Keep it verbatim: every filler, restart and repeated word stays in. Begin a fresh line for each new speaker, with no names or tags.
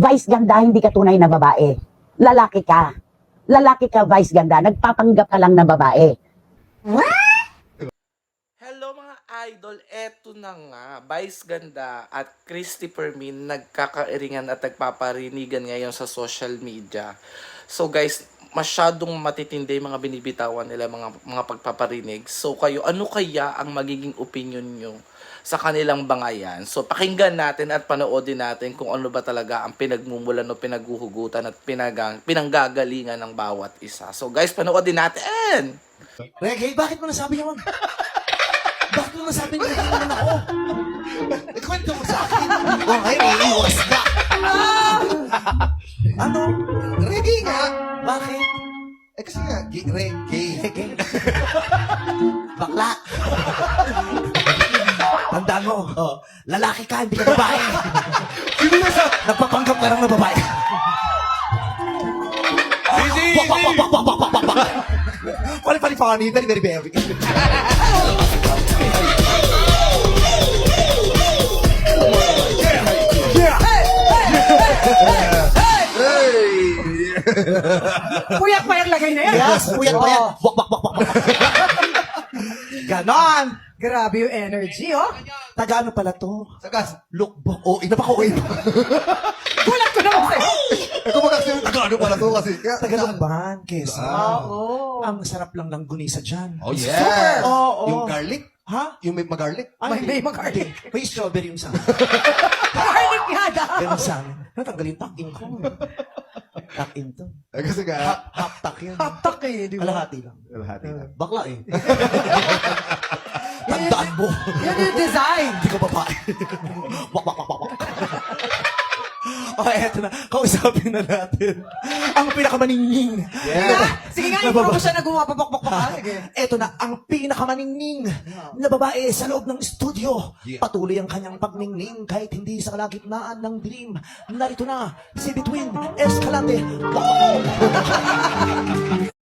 Vice ganda, hindi ka tunay na babae. Lalaki ka. Lalaki ka, Vice ganda. Nagpapanggap ka lang na babae.
Hello mga idol, eto na nga, Vice Ganda at Christy Permin nagkakairingan at nagpaparinigan ngayon sa social media. So guys, masyadong matitindi yung mga binibitawan nila, mga, mga pagpaparinig. So kayo, ano kaya ang magiging opinion nyo sa kanilang bangayan? So pakinggan natin at panoodin natin kung ano ba talaga ang pinagmumulan o pinaghuhugutan at pinagang, pinanggagalingan ng bawat isa. So guys, panoodin natin!
Reggae, bakit mo nasabi naman? Bakit mo nasabi na reggae naman ako? Ikwento mo sa akin. O ngayon, iiwas ka. Ano? Reggae nga. Bakit?
Eh kasi nga, gi- reggae.
Reggae. Bakla. Tandaan mo, oh, lalaki ka, hindi ka babae. Sino na sa... Nagpapanggap ka lang na babae. Wak, wak, wak, wak, wak, wak, wak, wak. Funny, funny, funny. Very, very, very.
Puyak pa yung lagay na yan.
Yes, puyat pa yan. Wak, wak, wak, wak, wak. Ganon.
Grabe yung energy, oh.
Taga ano pala to?
Sagas.
Lookbook. Oh, ina pa ko.
Gulat ko naman sa'yo.
Eh kung magkakasi yung taga-ano pala to kasi. Kaya,
Taga Lumban, Quezon.
Oo.
Ang sarap lang ng gunisa dyan.
Oh, yes.
Oo.
Yung garlic.
Ha?
Yung may mag-garlic.
Ay,
May- may mag-garlic.
May strawberry yung sa amin.
Garlic yada.
Ganun sa amin. Natanggalin takin ko. Takin to.
Eh kasi nga,
Half, half tak yan.
Haptak eh, di ba?
Kalahati lang.
Kalahati lang.
Bakla eh. Tandaan mo.
Yan yung design.
Hindi ko babae. Wak, wak, wak, wak, wak. Oh, eto na. Kausapin na natin. Ang pinakamaningning.
yeah.
Sige nga,
Na
yung
baba-
mo siya nagumapapakpak pa. Sige.
Eto na ang pinakamaningning na babae sa loob ng studio.
Yeah.
Patuloy ang kanyang pagningning kahit hindi sa kalagitnaan ng dilim. Narito na si Between Escalante.